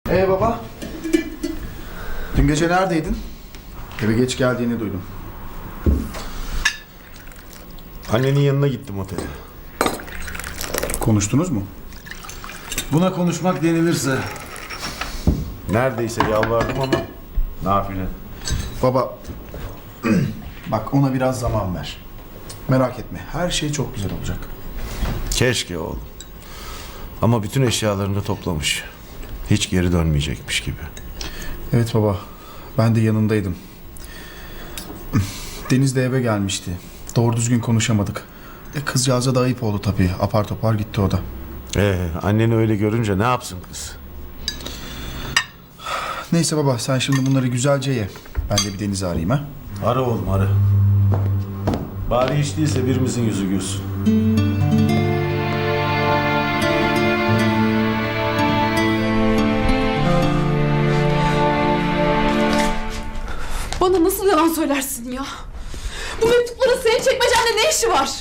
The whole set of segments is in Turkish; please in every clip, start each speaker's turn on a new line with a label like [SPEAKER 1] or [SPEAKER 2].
[SPEAKER 1] Baba. Dün gece neredeydin? Eve geç geldiğini duydum.
[SPEAKER 2] Annenin yanına gittim otele.
[SPEAKER 1] Konuştunuz mu?
[SPEAKER 3] Buna konuşmak denilirse.
[SPEAKER 2] Neredeyse yalvardım ama nafile.
[SPEAKER 1] Baba, bak ona biraz zaman ver. Merak etme, her şey çok güzel olacak.
[SPEAKER 2] Keşke oğlum. Ama bütün eşyalarını da toplamış. Hiç geri dönmeyecekmiş gibi.
[SPEAKER 1] Evet baba, ben de yanındaydım. Deniz de eve gelmişti. Doğru düzgün konuşamadık. Kızcağıza da ayıp oldu tabii. Apar topar gitti o da.
[SPEAKER 2] Anneni öyle görünce ne yapsın kız?
[SPEAKER 1] Neyse baba, sen şimdi bunları güzelce ye. Ben de bir Deniz'i arayayım ha.
[SPEAKER 2] Ara oğlum ara. Bari hiç değilse birimizin yüzü gülsün.
[SPEAKER 4] Bana nasıl yalan söylersin ya? Bu mektupların senin çekmecende ne işi var?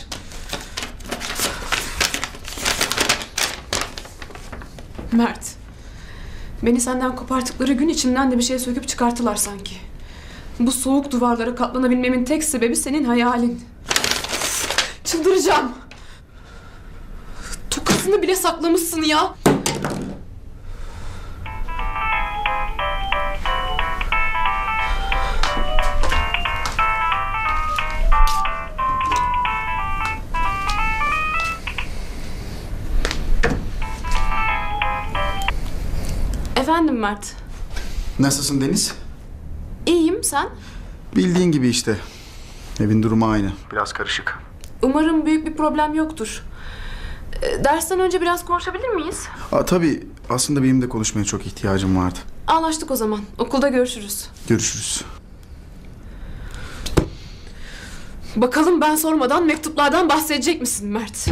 [SPEAKER 4] Mert. Beni senden koparttıkları gün içimden de bir şey söküp çıkarttılar sanki. Bu soğuk duvarlara katlanabilmemin tek sebebi senin hayalin. Çıldıracağım. Tokasını bile saklamışsın ya. Efendim Mert.
[SPEAKER 1] Nasılsın Deniz?
[SPEAKER 4] İyiyim, sen?
[SPEAKER 1] Bildiğin gibi işte. Evin durumu aynı. Biraz karışık.
[SPEAKER 4] Umarım büyük bir problem yoktur. Dersten önce biraz konuşabilir miyiz?
[SPEAKER 1] Tabii aslında benim de konuşmaya çok ihtiyacım vardı.
[SPEAKER 4] Anlaştık o zaman. Okulda görüşürüz.
[SPEAKER 1] Görüşürüz.
[SPEAKER 4] Bakalım ben sormadan mektuplardan bahsedecek misin Mert?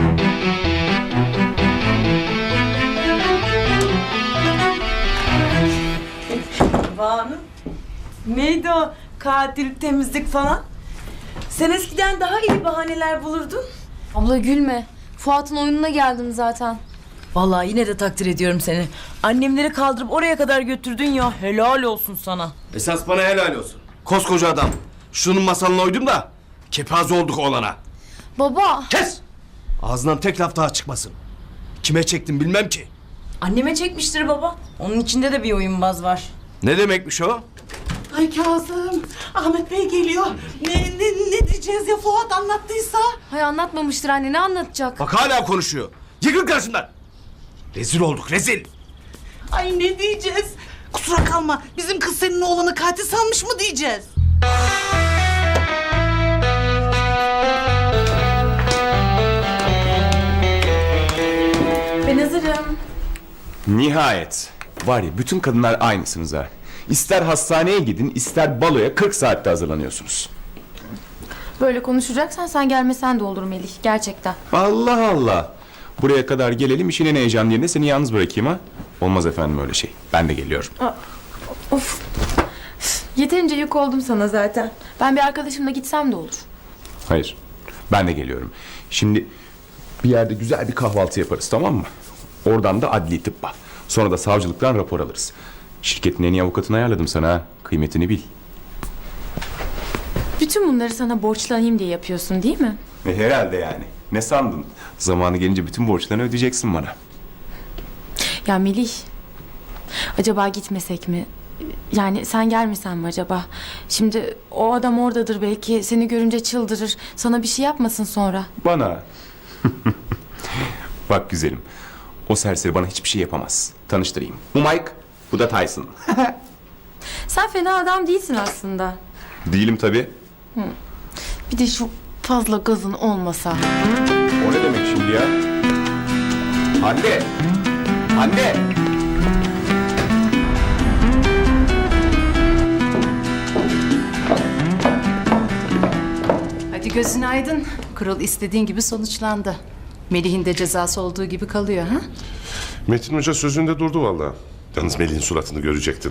[SPEAKER 5] Banu. Neydi o katil, temizlik falan? Sen eskiden daha iyi bahaneler bulurdun.
[SPEAKER 6] Abla gülme. Fuat'ın oyununa geldim zaten.
[SPEAKER 5] Vallahi yine de takdir ediyorum seni. Annemleri kaldırıp oraya kadar götürdün ya. Helal olsun sana.
[SPEAKER 7] Esas bana helal olsun. Koskoca adam. Şunun masalına uydum da kepaze olduk oğlana.
[SPEAKER 6] Baba.
[SPEAKER 7] Kes! Ağzından tek laf daha çıkmasın. Kime çektim bilmem ki.
[SPEAKER 5] Anneme çekmiştir baba. Onun içinde de bir oyunbaz var.
[SPEAKER 7] Ne demekmiş o?
[SPEAKER 8] Ay Kazım, Ahmet Bey geliyor. Ne diyeceğiz ya Fuat anlattıysa?
[SPEAKER 6] Hay anlatmamıştır anne, ne anlatacak?
[SPEAKER 7] Bak hala konuşuyor. Yıkıl karşımdan. Rezil olduk rezil.
[SPEAKER 8] Ay ne diyeceğiz? Kusura kalma, bizim kız senin oğlanı katil sanmış mı diyeceğiz?
[SPEAKER 4] Ben hazırım.
[SPEAKER 9] Nihayet. Var ya bütün kadınlar aynısınız ha. İster hastaneye gidin, ister baloya 40 saatte hazırlanıyorsunuz.
[SPEAKER 6] Böyle konuşacaksan sen gelmesen de olur Melih, gerçekten.
[SPEAKER 9] Allah Allah. Buraya kadar gelelim, işin en heyecanlı yerine seni yalnız bırakayım ha. Olmaz efendim öyle şey. Ben de geliyorum.
[SPEAKER 6] Of. Yeterince yük oldum sana zaten. Ben bir arkadaşımla gitsem de olur.
[SPEAKER 9] Hayır. Ben de geliyorum. Şimdi bir yerde güzel bir kahvaltı yaparız, tamam mı? Oradan da adli tıbba. Sonra da savcılıktan rapor alırız. Şirketin en iyi avukatını ayarladım sana ha. Kıymetini bil.
[SPEAKER 6] Bütün bunları sana borçlanayım diye yapıyorsun değil mi?
[SPEAKER 9] Herhalde yani. Ne sandın? Zamanı gelince bütün borçlarını ödeyeceksin bana.
[SPEAKER 6] Ya Melih, acaba gitmesek mi? Yani sen gelmesen mi acaba? Şimdi o adam oradadır belki, seni görünce çıldırır. Sana bir şey yapmasın sonra.
[SPEAKER 9] Bana. Bak güzelim. O serseri bana hiçbir şey yapamaz. Tanıştırayım. Bu Mike, bu da Tyson.
[SPEAKER 6] Sen fena adam değilsin aslında.
[SPEAKER 9] Değilim tabii.
[SPEAKER 6] Bir de şu fazla gazın olmasa.
[SPEAKER 9] O ne demek şimdi ya? Anne! Anne!
[SPEAKER 10] Hadi gözün aydın. Kurul istediğin gibi sonuçlandı. Melih'in de cezası olduğu gibi kalıyor ha?
[SPEAKER 11] Metin Hoca sözünde durdu vallahi. Yalnız Melih'in suratını görecektin.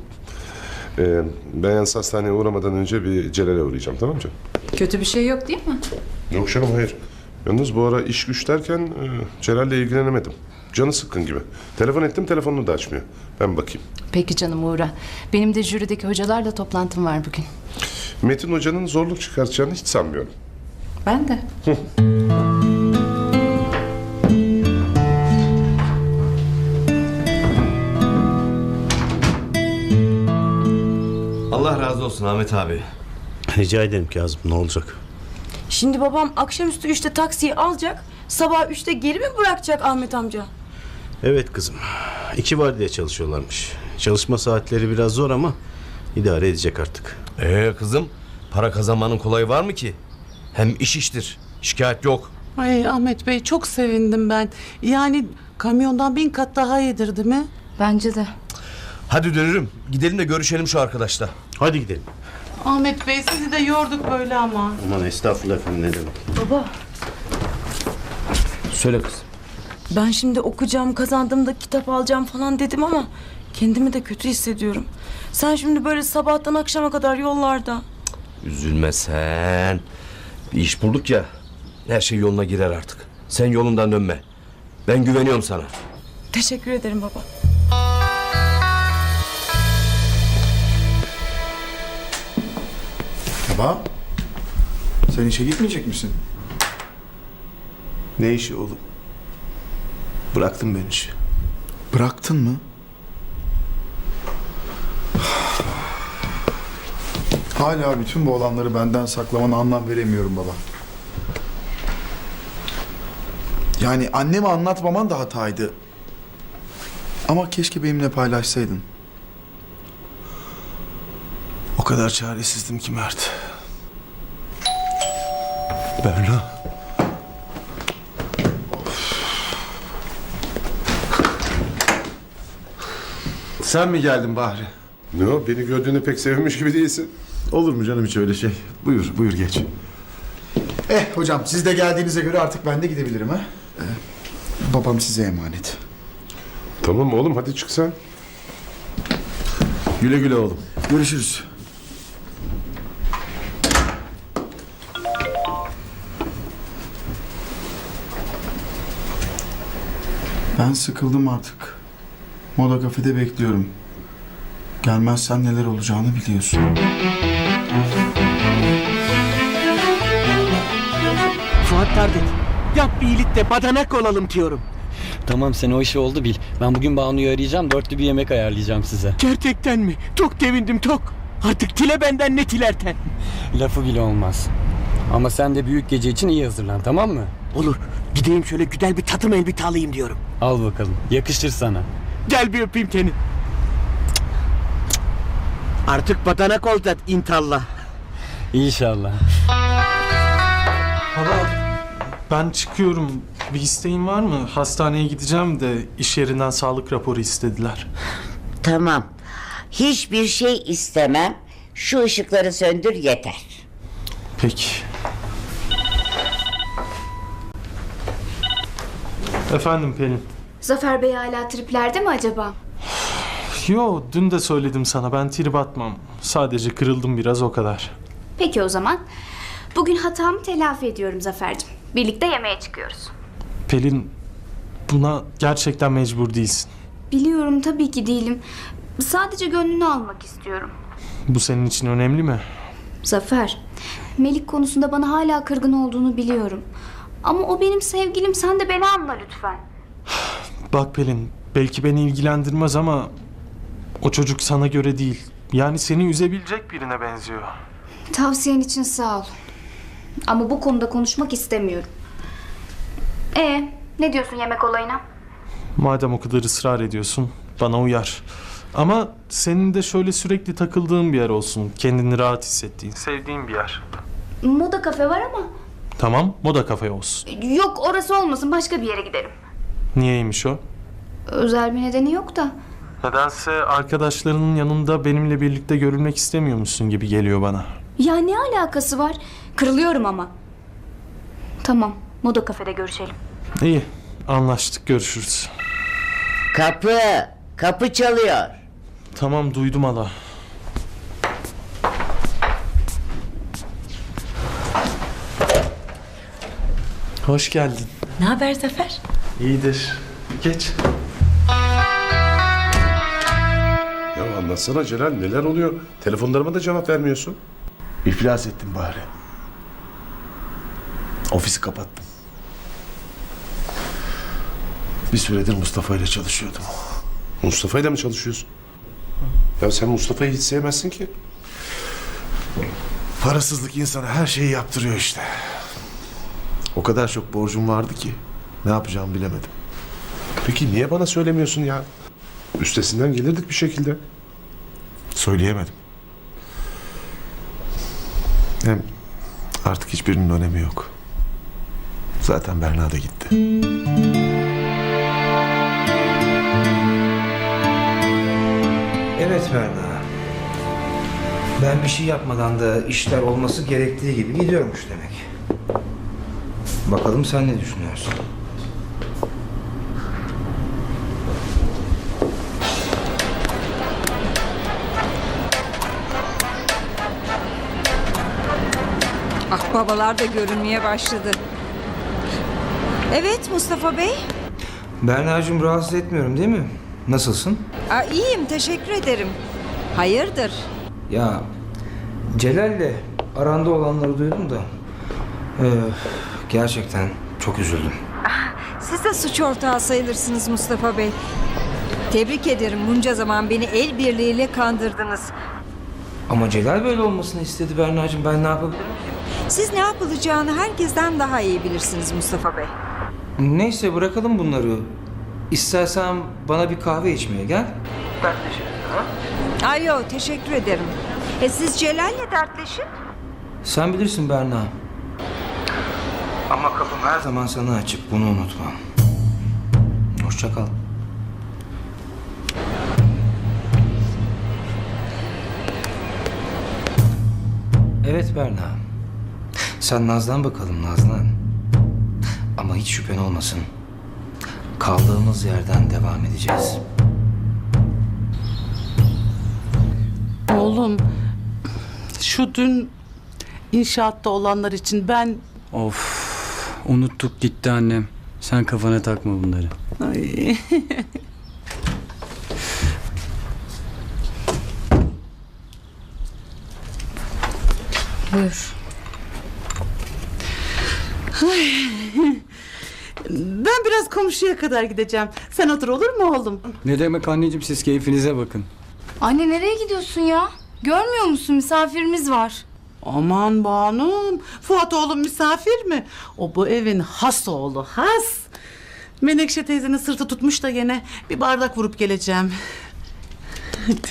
[SPEAKER 11] Ben yalnız hastaneye uğramadan önce bir Celal'e uğrayacağım, tamam mı canım?
[SPEAKER 10] Kötü bir şey yok değil mi?
[SPEAKER 11] Yok canım, hayır. Yalnız bu ara iş güç derken Celal'le ilgilenemedim. Canı sıkkın gibi. Telefon ettim, telefonunu da açmıyor. Ben bakayım.
[SPEAKER 10] Peki canım uğra. Benim de jürideki hocalarla toplantım var bugün.
[SPEAKER 11] Metin Hoca'nın zorluk çıkartacağını hiç sanmıyorum.
[SPEAKER 10] Ben de.
[SPEAKER 7] Allah razı olsun Ahmet abi.
[SPEAKER 12] Rica ederim Kazım, ne olacak?
[SPEAKER 5] Şimdi babam akşamüstü 3'te taksiyi alacak. Sabah 3'te geri mi bırakacak Ahmet amca?
[SPEAKER 12] Evet kızım, 2 vardiya çalışıyorlarmış. Çalışma saatleri biraz zor ama idare edecek artık.
[SPEAKER 7] Kızım, para kazanmanın kolayı var mı ki? Hem iş iştir. Şikayet yok.
[SPEAKER 8] Ay Ahmet Bey çok sevindim ben. Yani kamyondan 1000 kat daha iyidir değil mi?
[SPEAKER 6] Bence de.
[SPEAKER 7] Hadi dönürüm. Gidelim de görüşelim şu arkadaşla.
[SPEAKER 12] Hadi gidelim.
[SPEAKER 8] Ahmet Bey sizi de yorduk böyle ama.
[SPEAKER 12] Aman estağfurullah efendim, ne demek.
[SPEAKER 5] Baba
[SPEAKER 7] Söyle kız.
[SPEAKER 5] ben şimdi okuyacağım, kazandığımda kitap alacağım falan dedim ama kendimi de kötü hissediyorum. Sen şimdi böyle sabahtan akşama kadar yollarda.
[SPEAKER 7] Üzülme sen. Bir iş bulduk ya. Her şey yoluna girer artık. Sen yolundan dönme. Ben güveniyorum sana.
[SPEAKER 5] Teşekkür ederim baba.
[SPEAKER 1] Baba, sen işe gitmeyecek misin?
[SPEAKER 2] Ne işi oğlum? Bıraktım ben işi.
[SPEAKER 1] Bıraktın mı? Hala bütün bu olanları benden saklamana anlam veremiyorum baba. Yani anneme anlatmaman da hataydı. Ama keşke benimle paylaşsaydın.
[SPEAKER 2] O kadar çaresizdim ki Mert. Berna. Sen mi geldin Bahri?
[SPEAKER 11] Ne o? Beni gördüğüne pek sevinmiş gibi değilsin.
[SPEAKER 2] Olur mu canım hiç öyle şey? Buyur geç.
[SPEAKER 1] Hocam siz de geldiğinize göre artık ben de gidebilirim ha. Babam size emanet.
[SPEAKER 11] Tamam oğlum, hadi çık sen.
[SPEAKER 2] Güle güle oğlum.
[SPEAKER 1] Görüşürüz. Ben sıkıldım artık. Moda kafede bekliyorum. Gelmezsen neler olacağını biliyorsun.
[SPEAKER 13] Fuat kardeş, yap bir iyilik de badanak olalım diyorum.
[SPEAKER 14] Tamam sen o işi oldu bil. Ben bugün Banu'yu arayacağım, 4'lü bir yemek ayarlayacağım size.
[SPEAKER 13] Gerçekten mi? Çok sevindim çok. Artık dile benden ne dilerten.
[SPEAKER 14] Lafı bile olmaz. Ama sen de büyük gece için iyi hazırlan, tamam mı?
[SPEAKER 13] Olur, gideyim şöyle güzel bir takım elbise alayım diyorum.
[SPEAKER 14] Al bakalım, yakışır sana.
[SPEAKER 13] Gel bir öpeyim seni. Artık badanak olacağız inşallah.
[SPEAKER 14] İnşallah.
[SPEAKER 15] Hala ben çıkıyorum. Bir isteğin var mı? Hastaneye gideceğim de iş yerinden sağlık raporu istediler.
[SPEAKER 16] Tamam. Hiçbir şey istemem. Şu ışıkları söndür yeter.
[SPEAKER 15] Peki. Efendim Pelin.
[SPEAKER 17] Zafer Bey hala triplerde mi acaba?
[SPEAKER 15] Yo, dün de söyledim sana, ben trip atmam. Sadece kırıldım biraz, o kadar.
[SPEAKER 17] Peki o zaman. Bugün hatamı telafi ediyorum Zafer'cim. Birlikte yemeğe çıkıyoruz.
[SPEAKER 15] Pelin, buna gerçekten mecbur değilsin.
[SPEAKER 17] Biliyorum tabii ki değilim. Sadece gönlünü almak istiyorum.
[SPEAKER 15] Bu senin için önemli mi?
[SPEAKER 17] Zafer, Melik konusunda bana hala kırgın olduğunu biliyorum. Ama o benim sevgilim, sen de beni anla lütfen.
[SPEAKER 15] Bak Pelin, belki beni ilgilendirmez ama o çocuk sana göre değil. Yani seni üzebilecek birine benziyor.
[SPEAKER 17] Tavsiyen için sağ ol. Ama bu konuda konuşmak istemiyorum. Ne diyorsun yemek olayına?
[SPEAKER 15] Madem o kadar ısrar ediyorsun, bana uyar. Ama senin de şöyle sürekli takıldığın bir yer olsun. Kendini rahat hissettiğin, sevdiğin bir yer.
[SPEAKER 17] Moda kafe var ama.
[SPEAKER 15] Tamam, moda kafe olsun.
[SPEAKER 17] Yok, orası olmasın, başka bir yere gidelim.
[SPEAKER 15] Niyeymiş o?
[SPEAKER 17] Özel bir nedeni yok da.
[SPEAKER 15] Nedense arkadaşlarının yanında benimle birlikte görülmek istemiyormuşsun gibi geliyor bana.
[SPEAKER 17] Ya ne alakası var? Kırılıyorum ama. Tamam, moda kafede görüşelim.
[SPEAKER 15] İyi, anlaştık, görüşürüz.
[SPEAKER 16] Kapı çalıyor.
[SPEAKER 15] Tamam, duydum hala. Hoş geldin.
[SPEAKER 5] Ne haber Zafer?
[SPEAKER 15] İyidir. Geç.
[SPEAKER 11] Ya anlatsana Celal, neler oluyor? Telefonlarıma da cevap vermiyorsun.
[SPEAKER 1] İflas ettim bari. Ofisi kapattım. Bir süredir Mustafa ile çalışıyordum.
[SPEAKER 11] Mustafa ile mi çalışıyorsun? Ya sen Mustafa'yı hiç sevmezsin ki.
[SPEAKER 1] Parasızlık insana her şeyi yaptırıyor işte. O kadar çok borcum vardı ki ne yapacağımı bilemedim.
[SPEAKER 11] Peki niye bana söylemiyorsun ya? Üstesinden gelirdik bir şekilde.
[SPEAKER 1] Söyleyemedim. Hem artık hiçbirinin önemi yok. Zaten Berna da gitti.
[SPEAKER 18] Evet Berna. Ben bir şey yapmadan da işler olması gerektiği gibi gidiyormuş demek. Bakalım sen ne düşünüyorsun?
[SPEAKER 19] Akbabalar da görünmeye başladı. Evet Mustafa Bey.
[SPEAKER 18] Berna'cığım rahatsız etmiyorum değil mi? Nasılsın?
[SPEAKER 19] İyiyim teşekkür ederim. Hayırdır?
[SPEAKER 18] Ya Celal'le aranda olanları duydum da gerçekten çok üzüldüm.
[SPEAKER 19] Siz de suç ortağı sayılırsınız Mustafa Bey. Tebrik ederim, bunca zaman beni el birliğiyle kandırdınız.
[SPEAKER 18] Ama Celal böyle olmasını istedi Berna'cığım, ben ne yapabilirim ki?
[SPEAKER 19] Siz ne yapılacağını herkesten daha iyi bilirsiniz Mustafa Bey.
[SPEAKER 18] Neyse bırakalım bunları. İstersen bana bir kahve içmeye gel.
[SPEAKER 19] Ay yok teşekkür ederim. Siz Celal'le dertleşin.
[SPEAKER 18] Sen bilirsin Berna. Ama kapım her zaman sana açık, bunu unutma. Hoşça kal. Evet Berna. Sen Nazlan bakalım Nazlan. Ama hiç şüphen olmasın. Kaldığımız yerden devam edeceğiz.
[SPEAKER 8] Oğlum, şu dün inşaatta olanlar için ben...
[SPEAKER 14] Of, unuttuk gitti annem. Sen kafana takma bunları.
[SPEAKER 8] Ay.
[SPEAKER 6] Buyur.
[SPEAKER 8] Ben biraz komşuya kadar gideceğim. Sen otur olur mu oğlum?
[SPEAKER 14] Ne demek anneciğim, siz keyfinize bakın.
[SPEAKER 20] Anne nereye gidiyorsun ya? Görmüyor musun misafirimiz var.
[SPEAKER 8] Aman Banum, Fuat oğlum misafir mi? O bu evin has oğlu, has. Menekşe teyzenin sırtı tutmuş da gene bir bardak vurup geleceğim. Hadi.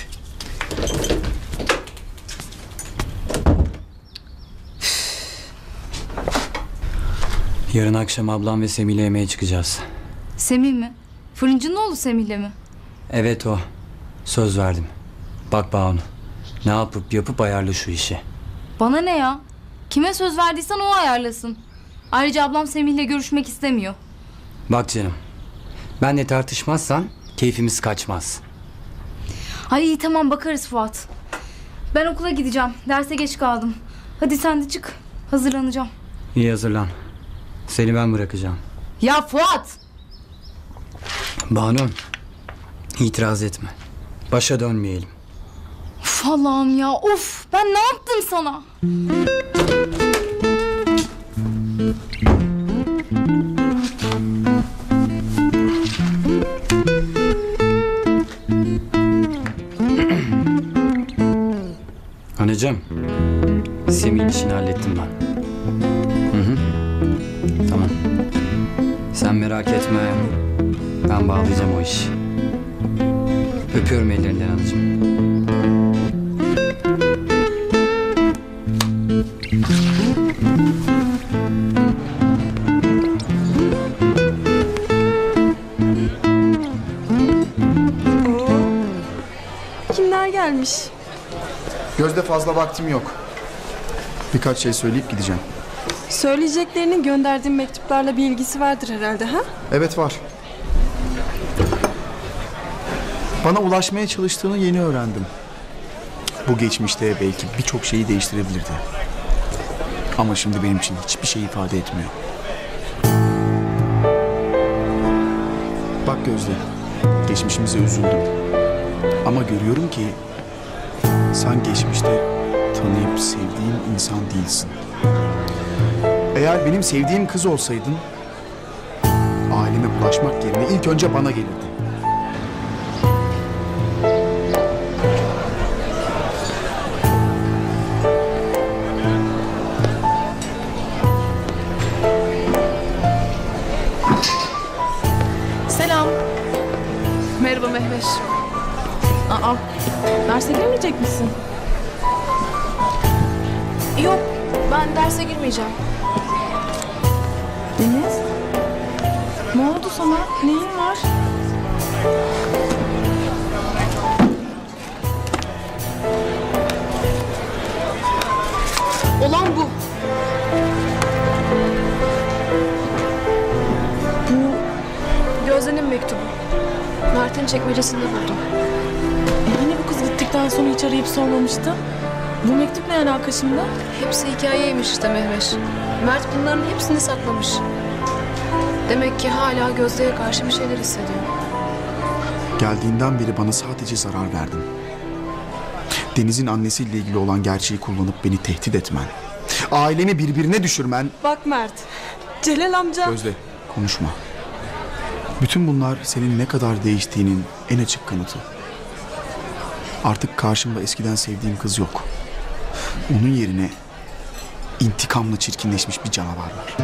[SPEAKER 14] Yarın akşam ablam ve Semih'le yemeğe çıkacağız.
[SPEAKER 20] Semih mi? Fırıncının oğlu Semih'le mi?
[SPEAKER 14] Evet o. Söz verdim. Bak Banu, ne yapıp ayarla şu işi.
[SPEAKER 20] Bana ne ya? Kime söz verdiysen o ayarlasın. Ayrıca ablam Semih'le görüşmek istemiyor.
[SPEAKER 14] Bak canım, benle tartışmazsan keyfimiz kaçmaz.
[SPEAKER 20] Ay iyi tamam bakarız Fuat. Ben okula gideceğim. Derse geç kaldım. Hadi sen de çık. Hazırlanacağım.
[SPEAKER 14] İyi hazırlan. Seni ben bırakacağım.
[SPEAKER 20] Ya Fuat!
[SPEAKER 14] Banu, itiraz etme. Başa dönmeyelim.
[SPEAKER 20] Uf Allah'ım ya of! Ben ne yaptım sana?
[SPEAKER 14] Anneciğim, Semih'in işini hallettim ben. Hı. Tamam. Sen merak etme. Ben bağlayacağım o işi. Öpüyorum ellerinden anacığım.
[SPEAKER 4] Kimler gelmiş?
[SPEAKER 1] Gözde fazla vaktim yok. Birkaç şey söyleyip gideceğim.
[SPEAKER 4] Söyleyeceklerinin gönderdiğim mektuplarla bir ilgisi vardır herhalde ha?
[SPEAKER 1] Evet var. Bana ulaşmaya çalıştığını yeni öğrendim. Bu geçmişte belki birçok şeyi değiştirebilirdi. Ama şimdi benim için hiçbir şey ifade etmiyor. Bak Bak Gözde, geçmişimize üzüldüm. Ama görüyorum ki sen geçmişte tanıyıp sevdiğim insan değilsin. Eğer benim sevdiğim kız olsaydın aileme bulaşmak yerine ilk önce bana gelirdin.
[SPEAKER 4] Selam. Merhaba Mehveş. Aa, derse girmeyecek misin? Yok, ben derse girmeyeceğim.
[SPEAKER 5] Deniz? Ne oldu sana? Neyin var?
[SPEAKER 4] Olan bu. Gözde'nin mektubu. Mert'in çekmecesinde buldum.
[SPEAKER 5] Hani bu kız gittikten sonra hiç arayıp sormamıştı? Bu mektup ne alaka şimdi?
[SPEAKER 4] Hepsi hikayeymiş işte Mehveş. Mert bunların hepsini saklamış. Demek ki hala Gözde'ye karşı bir şeyler hissediyor.
[SPEAKER 1] Geldiğinden beri bana sadece zarar verdin. Deniz'in annesiyle ilgili olan gerçeği kullanıp beni tehdit etmen. Ailemi birbirine düşürmen.
[SPEAKER 5] Bak Mert, Celal amca.
[SPEAKER 1] Gözde, konuşma. Bütün bunlar senin ne kadar değiştiğinin en açık kanıtı. Artık karşımda eskiden sevdiğim kız yok. Onun yerine intikamla çirkinleşmiş bir canavar var.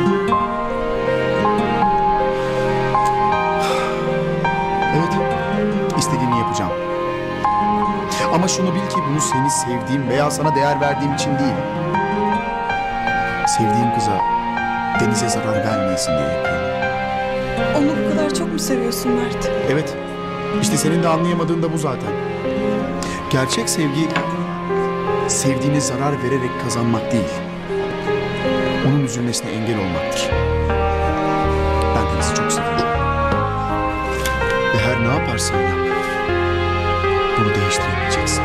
[SPEAKER 1] Evet, istediğini yapacağım. Ama şunu bil ki bunu seni sevdiğim veya sana değer verdiğim için değil. Sevdiğim kıza, Deniz'e zarar vermeyesin diye yapıyorum.
[SPEAKER 5] Onu bu kadar çok mu seviyorsun Mert?
[SPEAKER 1] Evet, işte senin de anlayamadığın da bu zaten. Gerçek sevgi, sevdiğine zarar vererek kazanmak değil. Onun üzülmesine engel olmaktır. Ben Deniz'i çok seviyorum. Ve her ne yaparsan yap, bunu değiştiremeyeceksin.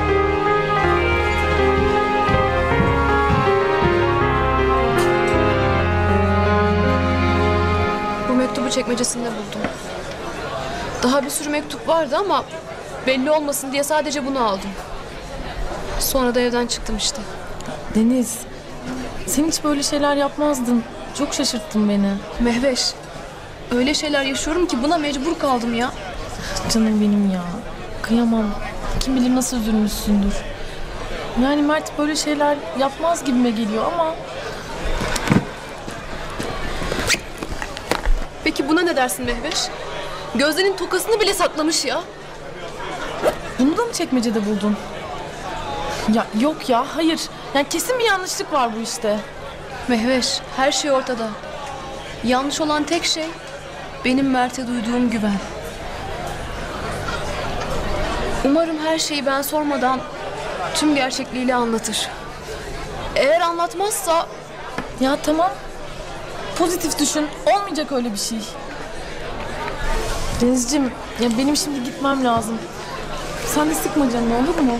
[SPEAKER 4] Bu mektubu çekmecesinde buldum. Daha bir sürü mektup vardı ama belli olmasın diye sadece bunu aldım. Sonra da evden çıktım işte.
[SPEAKER 5] Deniz, sen hiç böyle şeyler yapmazdın. Çok şaşırttın beni.
[SPEAKER 4] Mehveş, öyle şeyler yaşıyorum ki buna mecbur kaldım ya.
[SPEAKER 5] Canım benim ya. Kıyamam. Kim bilir nasıl üzülmüşsündür. Yani Mert böyle şeyler yapmaz gibime geliyor ama...
[SPEAKER 4] Peki buna ne dersin Mehveş? Gözde'nin tokasını bile saklamış ya.
[SPEAKER 5] Bunu da mı çekmecede buldun? Ya yok ya, hayır. Yani kesin bir yanlışlık var bu işte.
[SPEAKER 4] Mehveş, her şey ortada. Yanlış olan tek şey benim Mert'e duyduğum güven. Umarım her şeyi ben sormadan tüm gerçekliğiyle anlatır. Eğer anlatmazsa...
[SPEAKER 5] Ya tamam. Pozitif düşün. Olmayacak öyle bir şey. Denizciğim, ya benim şimdi gitmem lazım. Sen de sıkma canını, olur mu?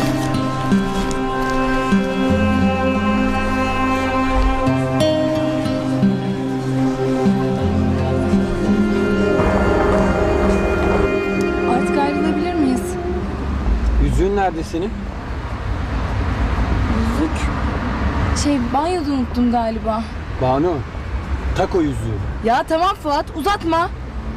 [SPEAKER 20] Artık ayrılabilir miyiz?
[SPEAKER 13] Yüzüğün nerede senin?
[SPEAKER 20] Yüzük? Banyoda unuttum galiba.
[SPEAKER 13] Banu, tak o yüzüğü.
[SPEAKER 20] Ya tamam Fuat, uzatma.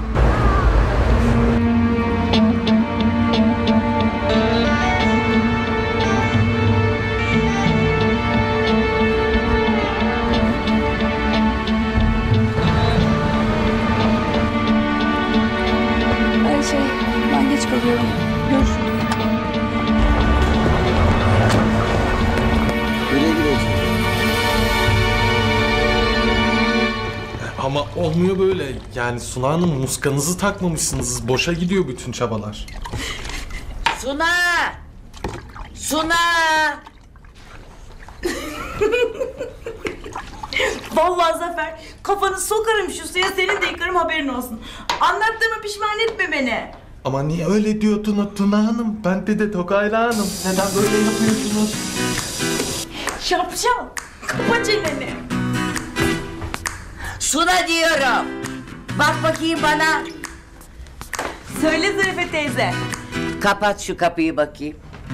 [SPEAKER 20] Ben geç kalıyorum. Görüşürüz.
[SPEAKER 13] Nereye gidiyorsun?
[SPEAKER 15] Ama olmuyor böyle. Yani Suna Hanım, muskanızı takmamışsınız. Boşa gidiyor bütün çabalar.
[SPEAKER 16] Suna! Suna!
[SPEAKER 5] Vallahi Zafer, kafanı sokarım şu suya, seni de yıkarım, haberin olsun. Anlattığıma pişman etme beni.
[SPEAKER 15] Ama niye öyle diyordun Tuna Hanım? Ben de Tokayla Hanım. Neden böyle yapıyorsunuz?
[SPEAKER 5] Şapşal, kapa çeneni.
[SPEAKER 16] Suna diyorum. Bak bakayım bana.
[SPEAKER 5] Söyle Zarife teyze.
[SPEAKER 16] Kapat şu kapıyı bakayım.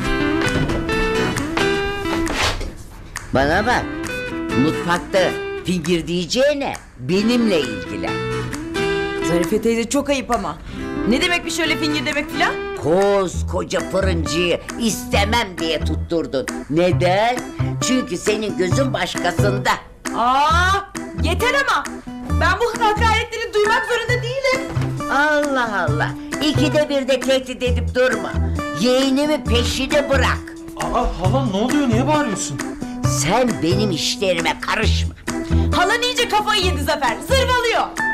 [SPEAKER 16] Bana bak. Mutfakta fingir diyeceğine benimle ilgilen.
[SPEAKER 5] Zarife teyze çok ayıp ama. Ne demekmiş öyle fingir demek filan?
[SPEAKER 16] Koskoca fırıncıyı istemem diye tutturdun. Neden? Çünkü senin gözün başkasında.
[SPEAKER 5] Yeter ama. Ben bu hakaretleri duymak zorunda değilim.
[SPEAKER 16] Allah Allah. İkide bir de tehdit edip durma. Yeğenimi peşine bırak.
[SPEAKER 15] Hala ne oluyor? Niye bağırıyorsun?
[SPEAKER 16] Sen benim işlerime karışma.
[SPEAKER 5] Halan iyice kafayı yedi Zafer. Zırvalıyor.